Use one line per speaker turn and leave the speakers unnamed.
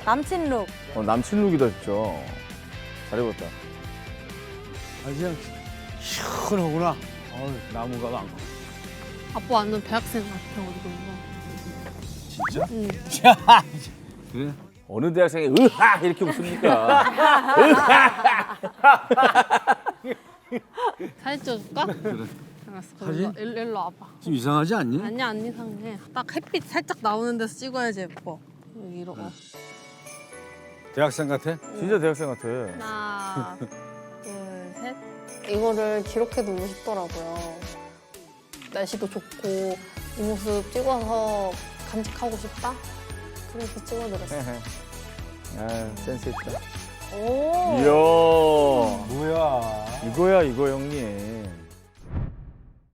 남친 룩.
남친 룩이다 진짜. 잘 입었다.
그냥 시원하구나. 나무가 많고.
아빠 완전 대학생 같아 어디 보면.
진짜?
응.
그래?
어느 대학생이 으하 이렇게 웃습니까?
사진 찍어줄까?
그래.
알았어.
사진?
일로 와봐.
좀 이상하지 않니?
아니야 안 이상해. 딱 햇빛 살짝 나오는 데서 찍어야지 예뻐. 여기로.
대학생 같아?
진짜 대학생 같아.
하나, 둘, 셋.
이거를 기록해두고 싶더라고요. 날씨도 좋고 이 모습 찍어서 간직하고 싶다? 그래서 찍어드렸어요.
아 센스 있다.
오.
이야.
뭐야?
이거야 이거 형님.